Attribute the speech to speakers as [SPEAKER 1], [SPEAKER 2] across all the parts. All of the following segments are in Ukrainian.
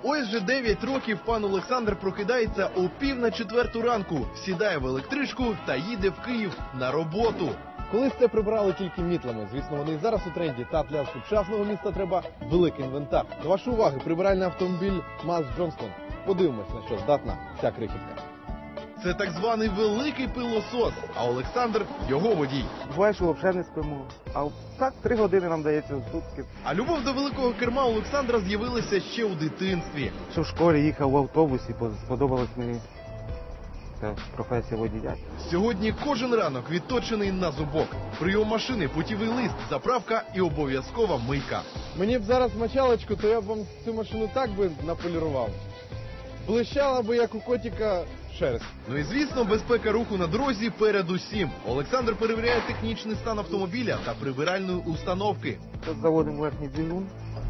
[SPEAKER 1] Ось вже 9 років пан Олександр прокидається о 3:45 ранку, сідає в електричку та їде в Київ на роботу. Колись це прибирали тільки мітлами, звісно, вони і зараз у тренді, та для сучасного міста треба великий інвентар. До вашої уваги, прибиральний автомобіль МАЗ Джонстон. Подивимось, на що здатна ця крихітка. Це так званий великий пилосос, а Олександр – його водій.
[SPEAKER 2] Буває, що взагалі не спимо. А так 3 години нам дається в сутки.
[SPEAKER 1] А любов до великого керма у Олександра з'явилася ще у дитинстві.
[SPEAKER 2] Що в школі їхав в автобусі, сподобалась мені ця професія водія.
[SPEAKER 1] Сьогодні кожен ранок відточений на зубок. Прийом машини, путівий лист, заправка і обов'язкова мийка. Мені б зараз мочалочку, то я б вам цю машину так би наполірував. Блищала би, як у котика, шерсть. Ну і звісно, безпека руху на дорозі перед усім. Олександр перевіряє технічний стан автомобіля та прибиральної установки.
[SPEAKER 2] Тут заводимо верхній двигун.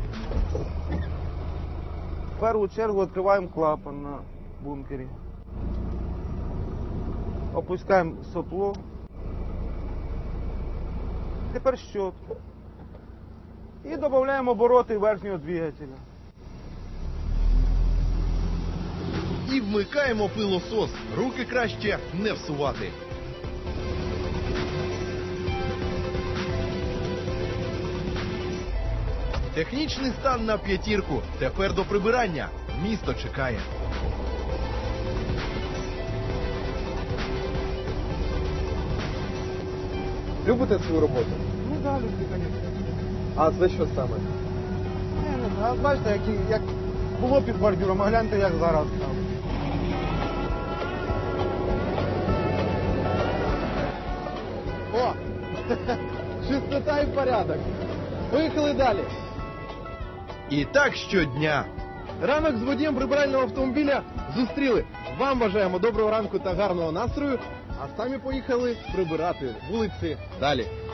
[SPEAKER 2] В першу чергу відкриваємо клапан на бункері. Опускаємо сопло. Тепер щотку. І додаємо обороти верхнього двигателя.
[SPEAKER 1] І вмикаємо пилосос. Руки краще не всувати. Технічний стан на 5. Тепер до прибирання. Місто чекає. Любите свою роботу?
[SPEAKER 2] Ну так, люблю, звісно.
[SPEAKER 1] А це що саме?
[SPEAKER 2] Я не знаю, бачите, як було під бордюром, а гляньте, як зараз стало.
[SPEAKER 1] О! Чистота і порядок. Поїхали далі. І так щодня. Ранок з водієм прибирального автомобіля зустріли. Вам бажаємо доброго ранку та гарного настрою, а самі поїхали прибирати вулиці далі.